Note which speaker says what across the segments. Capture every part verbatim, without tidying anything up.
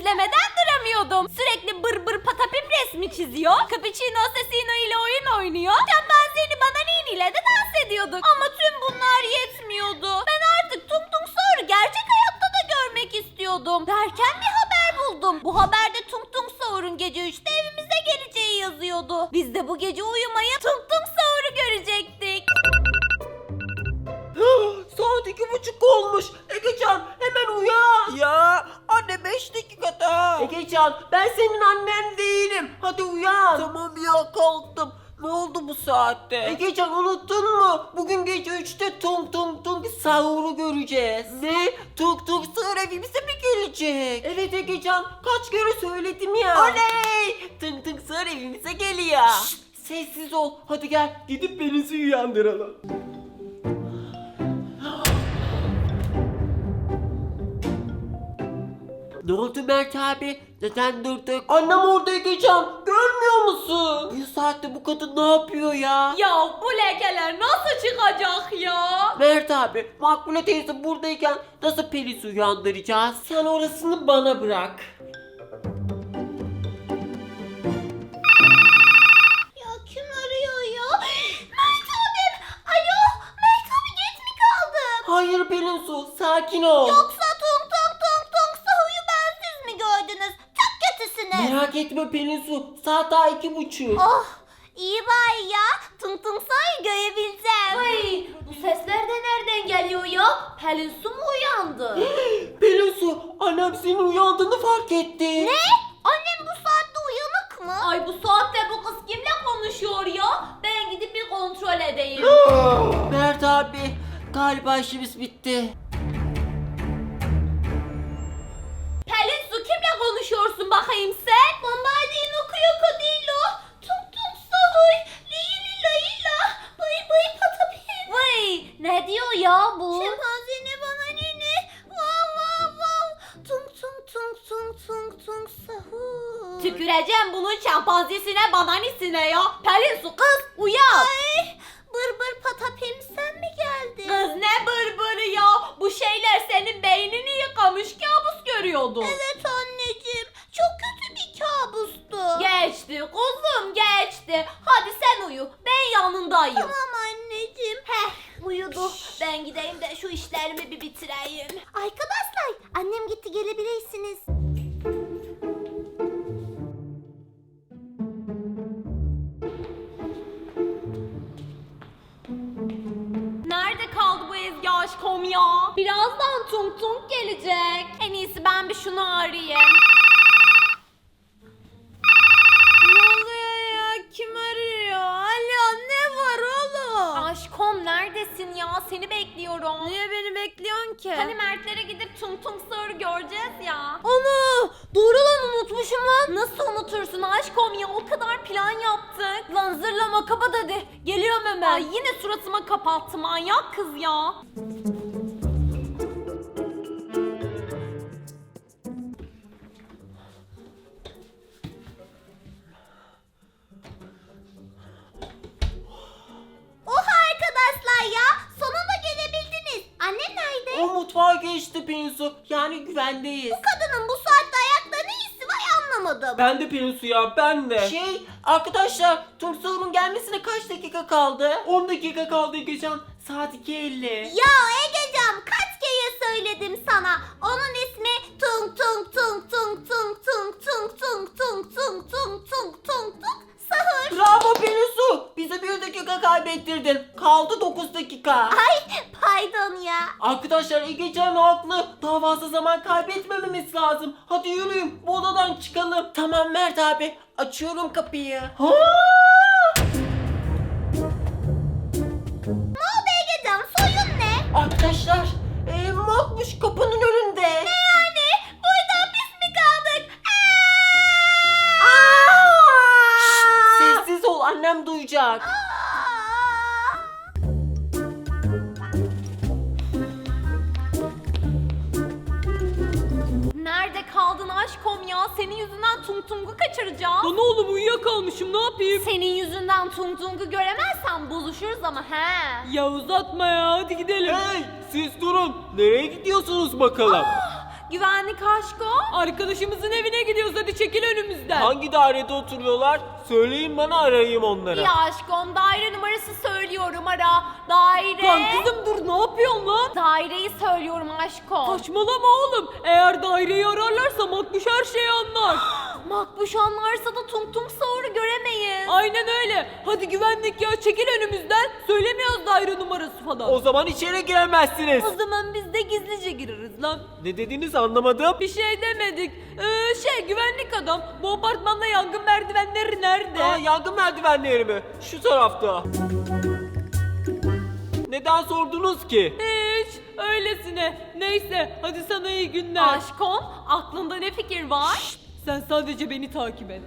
Speaker 1: izlemeden duramıyordum. Sürekli bır bır patapim resmi çiziyor. Cappuccino Assassino ile oyun oynuyor. Şempanzeni Bananini ile de dans ediyorduk. Ama tüm bunlar yetmiyordu. Ben artık Tung Tung Saur'u gerçek hayatta da görmek istiyordum. Derken bir haber buldum. Bu haberde Tung Tung Saur'un gece üçte evimize geleceği yazıyordu. Biz de bu gece uyumaya Tung Tung Saur'u görecektik.
Speaker 2: Saat iki buçuk olmuş. Egecan hemen uyan. Ya anne beş dakika daha. Egecan ben senin annen değilim. Hadi uyan. Tamam ya kalktım. Ne oldu bu saatte? Egecan unuttun mu? Bugün gece üçte Tung Tung Tung Saur'u göreceğiz. Ne? Tung Tung Saur evimize mi gelecek? Evet Egecan kaç kere söyledim ya. Oley! Tung Tung Saur evimize geliyor. Şşt, sessiz ol. Hadi gel gidip Pelin'i uyandıralım. Ne oldu Mert abi? Neden durduk? Annem orada Egecan. Görmüyor musun? Bu saatte bu kadın ne yapıyor ya?
Speaker 1: Ya bu lekeler nasıl çıkacak ya?
Speaker 2: Mert abi, Makbule teyze buradayken nasıl Pelin'i uyandıracağız? Sen orasını bana bırak.
Speaker 1: Ya kim arıyor ya? Mert abim. Alo. Mert abi geç mi kaldım?
Speaker 2: Hayır Pelin Su, sakin ol.
Speaker 1: Yoksa tung tung tung tung Sahu'yu bensiz mi gördünüz? Çok kötüsünüz.
Speaker 2: Merak etme Pelin Su, saat daha iki buçuk.
Speaker 1: Oh iyi bari ya. Tung tung Sahu'yu görebileceğim. Ay bu sesler de nereden geliyor ya? Pelin Su mu uyandı?
Speaker 2: Pelin Su, annem senin uyandığını fark etti.
Speaker 1: Ne? Annem bu saatte uyanık mı? Ay bu saatte bu kız kimle konuşuyor ya? Ben gidip bir kontrol edeyim.
Speaker 2: Mert abi, galiba işimiz bitti.
Speaker 1: Pelin Su kimle konuşuyorsun bakayım sen? Bombardino krokodilo. Tung tung sahuy. Lili layla. Bıy bıy patapim. Vay ne diyor ya bu? Şempanzini bana nini. Vav vav vav. Tung tung tung tung tung tung sahuy. Tüküreceğim bunun şempanzesine bananisine ya. Pelin Su kız uyan. Ay bır bır patapim sen mi geldin? Kız ne bır bırı ya? Bu şeyler senin beynini yıkamış kabus görüyordun. Evet anneciğim. Çok kötü bir kabustu. Geçti kuzum geçti. Hadi sen uyu. Ben yanındayım. Tamam anneciğim. Heh uyudu. Ben gideyim de şu işlerimi bir bitireyim. Arkadaşlar annem gitti gelebilirsiniz. Nerede kaldı bu Ezgi aşkım ya? Birazdan Tung Tung gelecek. En iyisi ben bir şunu arayayım. Ne oluyor ya? Kim arıyor? Alo ne var oğlum? Aşkım neredesin ya? Seni bekliyorum. Niye beni bekliyorsun ki? Hani Mertlere gidip Tung Tung Saur'u göreceğiz ya. Ana! Doğru lan unutmuşum lan. Nasıl unutursun aşkım ya? O kadar plan yaptık. Lan zırlama kapat hadi. Geliyorum hemen. Ay yine suratıma kapattı manyak kız ya. Oha arkadaşlar ya. Sonunda gelebildiniz. Annem nerede?
Speaker 2: O mutfağa geçti Pelin Su, yani güvendeyiz.
Speaker 1: Kadının bu saatte ayakta ne işi var anlamadım.
Speaker 2: Ben de Pelin Su ya, ben de. Şey, arkadaşlar, Tung Saur'un gelmesine kaç dakika kaldı? on dakika kaldı Egecan. Saat iki elli.
Speaker 1: Ya Egecan kaç kere söyledim sana. Onun ismi Tung Tung Tung Tung Tung Tung Tung Tung Tung Tung Tung Tung Tung Tung Sahur.
Speaker 2: Bravo Pelin Su, bize bir dakika kaybettirdin. Kaldı dokuz dakika.
Speaker 1: Ay pardon ya.
Speaker 2: Arkadaşlar Egecan haklı. Daha fazla zaman kaybetmememiz lazım. Hadi yürüyün, bu odadan çıkalım. Tamam Mert abi, açıyorum kapıyı. Ha!
Speaker 1: Ne oldu Egecan soyun ne?
Speaker 2: Arkadaşlar, e, Makbuş kapının önünde.
Speaker 1: Ne yani? Burada hapis mi kaldık?
Speaker 2: Şşt, sessiz ol, annem duyacak.
Speaker 1: Nerede kaldın aşkım ya? Senin yüzünden Tung Tung'u kaçıracağım.
Speaker 2: Lan oğlum uyuyakalmışım, ne yapayım?
Speaker 1: Senin yüzünden Tung Tung'u göremezsem bozuşuruz ama he.
Speaker 2: Ya uzatma ya, hadi gidelim. Hey, siz durun. Nereye gidiyorsunuz bakalım?
Speaker 1: Güvenlik aşkım.
Speaker 3: Arkadaşımızın evine gidiyoruz, hadi çekil önümüzden.
Speaker 2: Hangi dairede oturuyorlar? Söyleyin bana, arayayım onları.
Speaker 1: Ya aşkım daire numarası söylüyorum ara. Daire.
Speaker 3: Lan kızım dur, ne yapıyorsun lan?
Speaker 1: Daireyi söylüyorum aşkım.
Speaker 3: Saçmalama oğlum. Eğer daireyi ararlarsa Makbuş her şeyi anlar.
Speaker 1: Makbuş anlarsa da tung tung sahuru göremeyiz.
Speaker 3: Aynen öyle. Hadi güvenlik ya, çekil önümüzden. Söylemiyoruz daire numarası falan.
Speaker 2: O zaman içeri giremezsiniz.
Speaker 3: O zaman biz de gizlice gireriz lan.
Speaker 2: Ne dediniz, anlamadım.
Speaker 3: Bir şey demedik. Ee, şey güvenlik adam, bu apartmanda yangın merdivenleri nerede?
Speaker 2: Aa, yangın merdivenleri mi? Şu tarafta. Neden sordunuz ki?
Speaker 3: Hiç öylesine. Neyse hadi sana iyi günler.
Speaker 1: Aşkım aklında ne fikir var?
Speaker 3: Şşt, sen sadece beni takip et.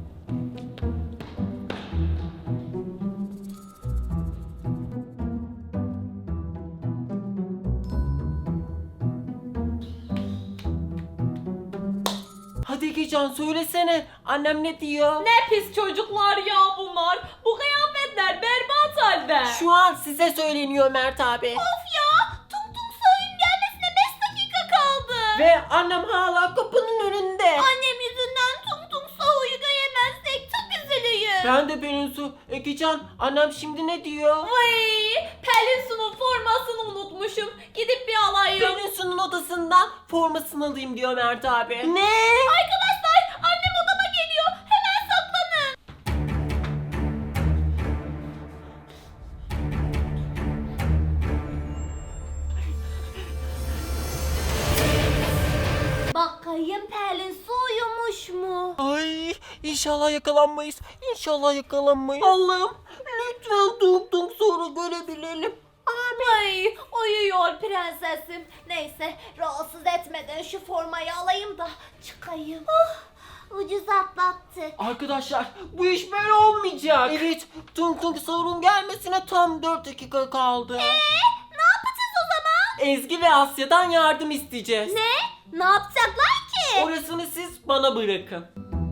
Speaker 2: Hadi Egecan, söylesene. Annem ne diyor?
Speaker 3: Ne pis çocuklar ya bunlar. Bu kıyafetler berbat halde.
Speaker 2: Şu an size söyleniyor Mert abi.
Speaker 1: Of ya tung tung sahurun gelmesine beş dakika kaldı.
Speaker 2: Ve annem hala kapının önünde.
Speaker 1: Annem yüzünden tung tung sahuru göremezsek çok üzülüyüm.
Speaker 2: Ben de Pelinsu. Egecan, annem şimdi ne diyor?
Speaker 1: Vay Pelin Su'nun formasını unutmuşum. Gidip bir alayım.
Speaker 2: Pelinsu'nun odasından formasını alayım diyor Mert abi. Ne?
Speaker 1: Arkadaşlar annem odama geliyor. Hemen saklanın. Bakayım Pelin Su uyumuş mu?
Speaker 2: Ay, inşallah yakalanmayız. İnşallah yakalanmayız. Allah'ım, lütfen tung tung sonra görebilelim.
Speaker 1: Ay uyuyor prensesim. Neyse rahatsız etmeden şu formayı alayım da çıkayım. Oh, ucuz atlattı.
Speaker 2: Arkadaşlar, bu iş böyle olmayacak. Evet, tung tung sorun gelmesine tam dört dakika kaldı.
Speaker 1: Eee ne yapacağız o zaman?
Speaker 2: Ezgi ve Asya'dan yardım isteyeceğiz.
Speaker 1: Ne? Ne yapacaklar ki?
Speaker 2: Orasını siz bana bırakın.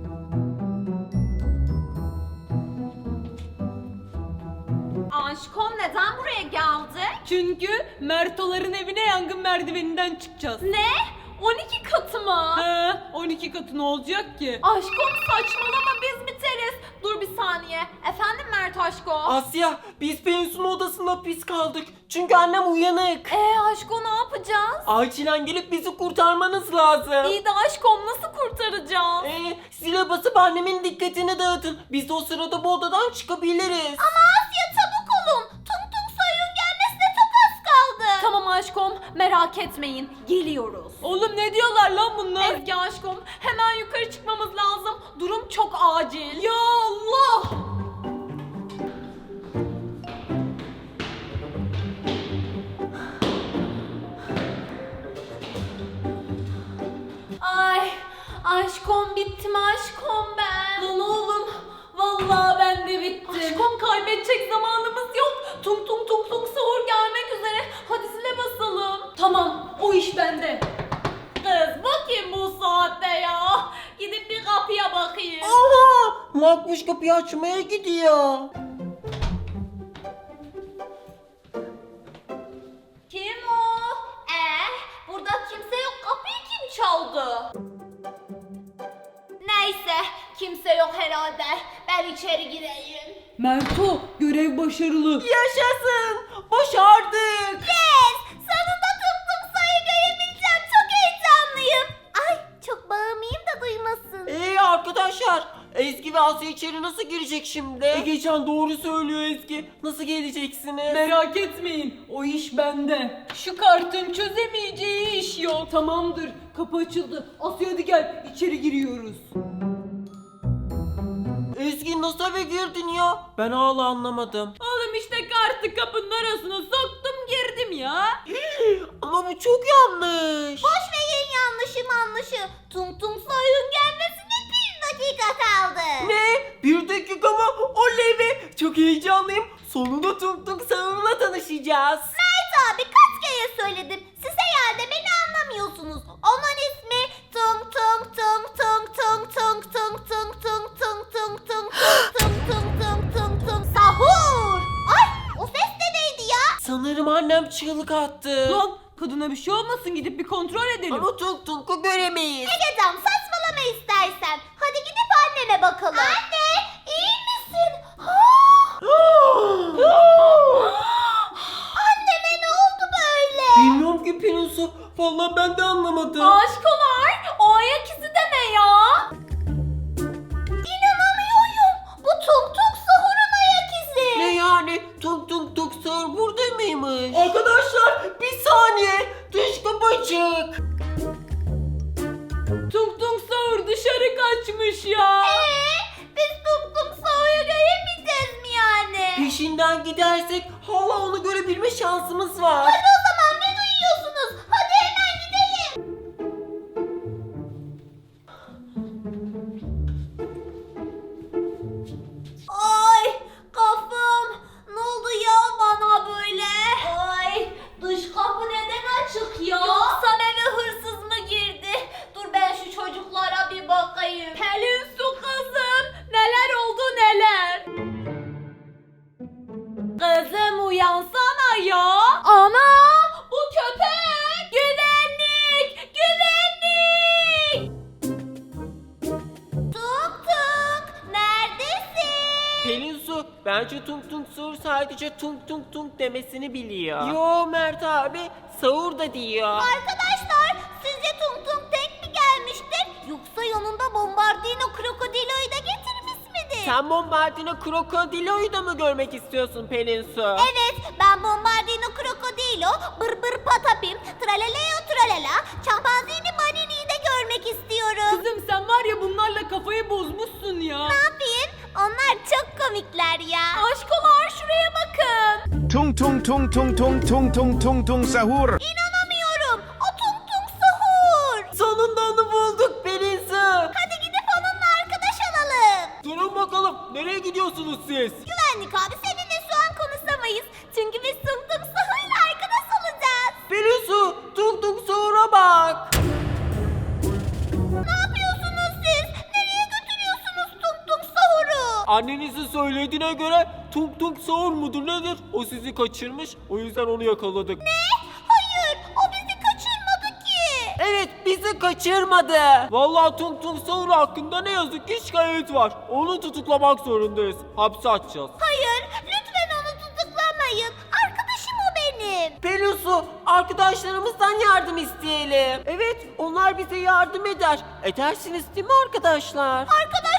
Speaker 1: Aşkım neden buraya geldi?
Speaker 3: Çünkü Mertoların evine yangın merdiveninden çıkacağız.
Speaker 1: Ne? on iki katı mı?
Speaker 3: He, on iki katı ne olacak ki?
Speaker 1: Aşkım saçmalama biz biteriz. Dur bir saniye. Efendim Mert aşko?
Speaker 2: Asya, biz Pelinsu'nun odasında pis kaldık. Çünkü annem uyanık.
Speaker 1: Eee aşko ne yapacağız?
Speaker 2: Acilen gelip bizi kurtarmanız lazım.
Speaker 1: İyi de aşkım nasıl kurtaracağız?
Speaker 2: Ee, zile basıp annemin dikkatini dağıtın. Biz de o sırada bu odadan çıkabiliriz.
Speaker 1: Ama Asya çabuk olun. Tung tung sayın gelmesine çok az kaldı. Tamam aşkım merak etmeyin. Geliyoruz.
Speaker 3: Oğlum ne diyorlar lan bunlar?
Speaker 1: Ezgi aşkım hemen yukarı çıkmamız lazım. Durum çok acil.
Speaker 3: Ya Allah!
Speaker 1: Ay aşkım bittim aşkım ben.
Speaker 3: Lan oğlum vallahi ben de bittim.
Speaker 1: Aşkım kaybedecek zamanımız yok. Tung tung tung tung sahur gelmek üzere. Hadi zile basalım.
Speaker 3: Tamam, o iş bende.
Speaker 1: Kız bakayım bu saatte ya. Gidip bir kapıya bakayım.
Speaker 2: Aha! Makbuş kapıyı açmaya gidiyor.
Speaker 1: Kim o? Eh, burada kimse yok. Kapıyı kim çaldı? Neyse, kimse yok herhalde. Ben içeri gireyim.
Speaker 3: Merto, görev başarılı.
Speaker 2: Yaşasın! Başardık!
Speaker 1: Yes! Sonunda tuttum sayı görebileceğim. Çok heyecanlıyım. Ay, çok bağırmayayım da duymasın.
Speaker 2: Ee arkadaşlar, Ezgi ve Asya içeri nasıl girecek şimdi? Egecan doğru söylüyor Ezgi. Nasıl geleceksiniz?
Speaker 3: Merak etmeyin, o iş bende. Şu kartın çözemeyeceği iş yok. Tamamdır, kapı açıldı. Asya hadi gel, içeri giriyoruz.
Speaker 2: Ezgi nasıl eve girdin ya? Ben hala anlamadım.
Speaker 3: Oğlum işte kartı kapının arasına soktum girdim ya.
Speaker 2: Ama bu çok yanlış.
Speaker 1: Boş verin yanlışı manlışı. Tung tung soyun gelmesine bir dakika kaldı.
Speaker 2: Ne? Bir dakika mı? Oley be! Çok heyecanlıyım. Sonunda Tung Tung Sağır'la tanışacağız.
Speaker 1: Mert abi kaç kere söyledim. Siz herhalde beni anlamıyorsunuz. Onun ismi Tung Tung Tung Tung Tung Tung Tung Tung Tung Tung Tung Tung Tung Tung Tung Tung Tung Sahur. Ay o ses de neydi ya?
Speaker 2: Sanırım annem çığlık attı.
Speaker 3: Lan Kadına bir şey olmasın, gidip bir kontrol edelim.
Speaker 2: Ama Tung Tung'u göremeyiz.
Speaker 1: Egecan saçmalama istersen. Hadi gidip annene bakalım. Anne iyi misin? Anneme ne oldu böyle?
Speaker 2: Bilmiyorum ki Pelinsu. Vallahi ben de anlamadım.
Speaker 1: Aşkolar o ayak izi de ne ya? İnanamıyorum. Bu Tung Tung Sahur'un ayak izi.
Speaker 2: Ne yani? Tung Tung Tung Sahur burada mıymış? Arkadaşlar bir saniye. Dış kapı açık.
Speaker 3: Tung Tung Sahur dışarı kaçmış ya.
Speaker 1: Ee, biz Tung Tung Sahur'u göremeyeceğiz mi yani?
Speaker 2: Peşinden gidersek hala onu görebilme şansımız var.
Speaker 1: Hadi o zaman ne duyuyorsunuz? Hadi hemen gidelim. Ay kafam. Ne oldu ya bana böyle? Ay dış kapı neden açık ya? Yoksa eve hırsız mı girdi? Dur ben şu çocuklara bir bakayım.
Speaker 3: Pelin Su kızım, neler oldu neler? Kızım uyansana ya. Ana, bu köpek. Güvenlik, güvenlik.
Speaker 1: Tuk tuk neredesin?
Speaker 2: Pelinsu bence Tung Tung Sahur sadece Tung Tung Tung demesini biliyor. Yo Mert abi Sahur da diyor.
Speaker 1: Arkadaşlar sizce Tung Tung tek mi gelmiştir? Yoksa yanında Bombardino Krokodilo'yu da getirmiş midir?
Speaker 2: Sen Bombardino Krokodilo'yu da mı görmek istiyorsun Pelinsu?
Speaker 1: Evet ben Bombardino Krokodilo, Bır Bır Patapim, Tralaleo Tralala, Çampanzini Manini'yi de görmek istiyorum.
Speaker 3: Kızım sen var ya bunlarla kafayı bozmuşsun ya.
Speaker 1: Ne yapayım? Onlar çok komikler ya. Aşkolar şuraya bakın.
Speaker 4: Tung tung tung tung tung tung tung tung tung sahur.
Speaker 1: İnanamıyorum. O Tung Tung Sahur.
Speaker 2: Sonunda onu bulduk Pelinsu.
Speaker 1: Hadi gidip onunla arkadaş olalım.
Speaker 2: Durun bakalım nereye gidiyorsunuz siz?
Speaker 1: Güvenlik abi seninle şu an konuşamayız. Çünkü biz Tung Tung Sahur'la arkadaş olacağız.
Speaker 2: Pelinsu Tung Tung Sahur'a bak.
Speaker 1: Ne yapıyorsunuz siz? Nereye götürüyorsunuz Tung Tung Sahur'u?
Speaker 2: Annenizin söylediğine göre Tung Tung Sahur mudur nedir? O sizi kaçırmış o yüzden onu yakaladık.
Speaker 1: Ne? Hayır o bizi kaçırmadı ki.
Speaker 2: Evet bizi kaçırmadı. Vallahi Tung Tung Sahur hakkında ne yazık ki şikayet var. Onu tutuklamak zorundayız. Hapse atacağız.
Speaker 1: Hayır lütfen onu tutuklamayın. Arkadaşım o benim.
Speaker 2: Pelinsu arkadaşlarımızdan yardım isteyelim. Evet onlar bize yardım eder. Edersiniz değil mi arkadaşlar?
Speaker 1: Arkadaş